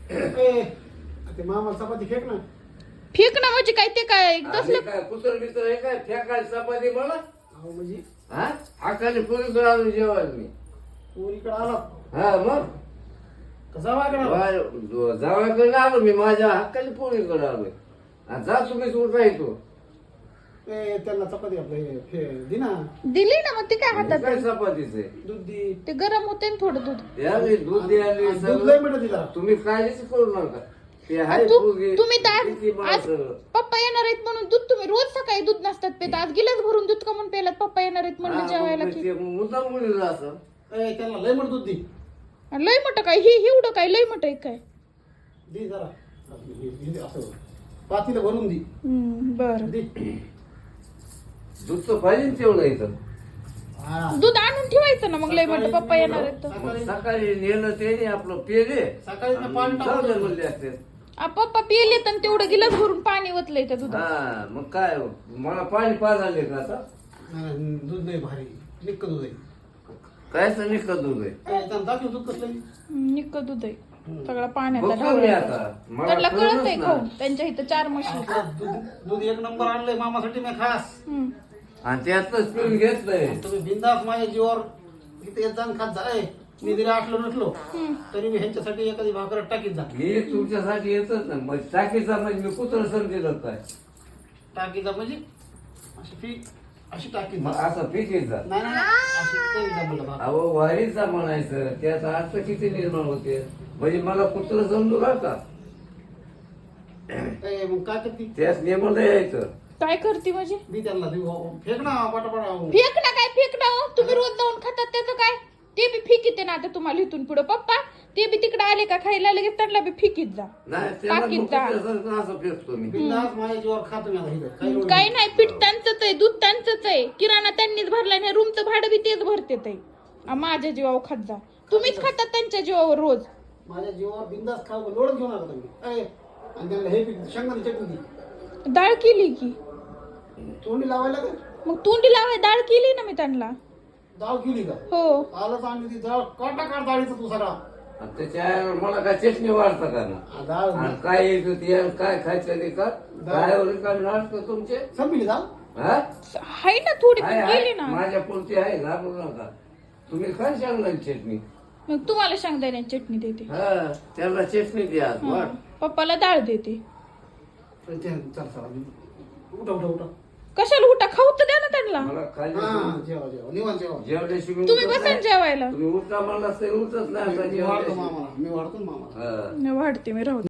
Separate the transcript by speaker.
Speaker 1: ते मामाला चपाती फेक ना.
Speaker 2: फेक ना म्हणजे काय ते काय
Speaker 3: आम्ही
Speaker 2: तसलं
Speaker 3: काय कुत्र बित्र आहे काय फेकायला चपाती मला
Speaker 1: अहो म्हणजे
Speaker 3: हा हाकाने पोरी आलो जेवायला मी
Speaker 1: पोरीकडे आला
Speaker 3: हा मग
Speaker 1: कसा वागणार
Speaker 3: जावायकडे आलो मी माझ्या हक्काने पोरीकडे आलोय आणि जा तुम्हीच उठा येतो
Speaker 1: त्यांना चपाती आपलं दिना
Speaker 2: दिली ना मग ते काय हातात
Speaker 3: काय चपातीच आहे
Speaker 1: दूध दी.
Speaker 2: ते गरम होते ना थोडं दूध
Speaker 3: द्यावी दूध द्यावी
Speaker 1: दूध
Speaker 3: सगळं.
Speaker 1: लय मिळत तिला.
Speaker 3: तुम्ही काळजीच करू नका ते आहे
Speaker 2: तू-
Speaker 3: पोरगी,
Speaker 2: तुम्ही तर
Speaker 3: किती
Speaker 2: आज
Speaker 3: माणसं.
Speaker 2: पप्पा येणार आहेत म्हणून दूध तुम्ही रोज सकाळी दूध नसतात पेत आज गिलास भरून दूध कमून पेलात पप्पा येणार आहेत म्हणून
Speaker 3: हा,
Speaker 2: जेवायला
Speaker 3: मग
Speaker 2: की
Speaker 3: ते मुद्दाम मुलीला असं
Speaker 1: त्यांना लय मिळत दूध दी.
Speaker 2: लय मोठं काय हे एवढं काय लय मोठं आहे काय
Speaker 1: दी जरा असं पातीला भरून दी.
Speaker 2: बर
Speaker 1: दी.
Speaker 3: दूध तर पाहिजे ना तेवढं इथं
Speaker 1: हा.
Speaker 2: दूध आणून ठेवायचं ना मग लय मोठं पप्पा येणार आहेत तर.
Speaker 3: मग सकाळी नेलं ते नाही आपलं पेले
Speaker 1: सकाळी ते पाणी
Speaker 3: जाऊ दे
Speaker 1: टाकून
Speaker 3: म्हणले असते
Speaker 2: पप्पा पिले तर तेवढं गिलास भरून पाणी ओतलंय त्या दुधात
Speaker 3: हा मग काय हो, मला पाणी पाजाले का आता
Speaker 1: नाही, दूध नाही भारी निक्क दूध आहे.
Speaker 3: कायच निघत दूध आहे
Speaker 1: त्यांना दाखव दूध कसलं आहे.
Speaker 2: निक्क दूध आहे सगळं पाण्याचा
Speaker 3: बघतो मी
Speaker 2: ढवळायचा.
Speaker 3: आता मला
Speaker 2: त्यांना कळत
Speaker 3: कळलंच
Speaker 2: आहे
Speaker 3: ना.
Speaker 2: खाऊन त्यांच्या इथं 4 म्हशी
Speaker 1: आता दूध एक नंबर आणलंय मामासाठी मी खास.
Speaker 3: आणि त्यातच पिऊन घेतलंय
Speaker 1: तुम्ही बिंदास माझ्या जीवावर इथे येत जाण खात जा. मी जरी आटलो नसलो तरी मी ह्यांच्यासाठी एखादी भाकर टाकीत जा.
Speaker 3: मी तुमच्यासाठी येतच ना मग टाकीचा म्हणजे मी कुत्र समजेल काय
Speaker 1: टाकीत जा म्हणजे अशी टाकीत
Speaker 3: मग
Speaker 1: जा.
Speaker 3: असं पिकेचा
Speaker 1: नाही नाही अशी करीत जा म्हणलं भाकर.
Speaker 3: अहो वारीचा म्हणायचं त्याचा अर्थ किती निर्माण होते म्हणजे मला कुत्र समजू का
Speaker 1: मग काय करते
Speaker 3: त्याच नेमलं यायचं
Speaker 2: काय करते म्हणजे
Speaker 1: मी त्यांना देऊ फेक ना पटापट
Speaker 2: फेक ना काय फेक ना हो? तुम्ही रोज जाऊन खातात त्याचं काय ते बी फिकीते ना आता तुम्हाला इथून पुढे पप्पा ते बी तिकडे आले का खायला लगेच त्यांना बी फिकीत जा
Speaker 3: नाही त्याला
Speaker 2: टाकीत
Speaker 3: मग
Speaker 2: जा.
Speaker 3: कुत्र्यासारखं असं फेकतो मी
Speaker 1: बिंदास माझ्या जीवावर खातो मी आता इथं काही लोड
Speaker 2: काही नाही पीठ त्यांचंच आहे दूध त्यांचंच आहे किराणा त्यांनीच भरला आणि रूमचं भाडं बी तेच भरते ते माझ्या जीवावर खात जा तुम्हीच खातात त्यांच्या जीवावर रोज
Speaker 1: माझ्या जीवावर बिंदास खाऊ लोडच घेऊन आला तुम्ही आणि त्यांना हे शेंगाची चटणी दी
Speaker 2: डाळ केली की
Speaker 1: तोंडी लावायला का
Speaker 2: मग तोंडी लावाय डाळ केली ना मी त्यांना
Speaker 1: डाळ केली का
Speaker 2: हो
Speaker 1: आलंच आणली ती डाळ काटा काढ डाळीचा तू सगळा
Speaker 3: आणि त्याच्या मला काय चटणी वाढतं का ना
Speaker 1: डाळ
Speaker 3: आणि काय येत ते काय खायचं ते का काय काय नाटक तुमचे
Speaker 1: संपली डाळ
Speaker 3: हा
Speaker 2: आहे ना थोडी पण
Speaker 3: आहे,
Speaker 2: केली
Speaker 3: आहे.
Speaker 2: ना
Speaker 3: माझ्या पुरती आहे घाबरू नका तुम्ही काय सांगणार चटणी
Speaker 2: मग तुम्हाला शेंगदाण्याची चटणी देते
Speaker 3: हा त्याला चटणी द्या वाट
Speaker 2: पप्पाला डाळ देते
Speaker 1: चल चला उठा उठा उठा
Speaker 2: कशाला उठा खाऊ तर द्या ना त्यांना
Speaker 3: मला खाली
Speaker 1: हा जेवा जेवा निवांत जेवा
Speaker 3: जेवल्याशिवाय
Speaker 2: तुम्ही
Speaker 3: उठत
Speaker 2: बसा
Speaker 3: नाही.
Speaker 2: जेवायला
Speaker 3: तुम्ही उठता मला ते उठत नाही आता
Speaker 1: मी वाढतो
Speaker 3: जेवल्याशिवाय.
Speaker 1: मामाला मी वाढतो ना मामाला
Speaker 3: हा.
Speaker 2: मी वाढते मी राहू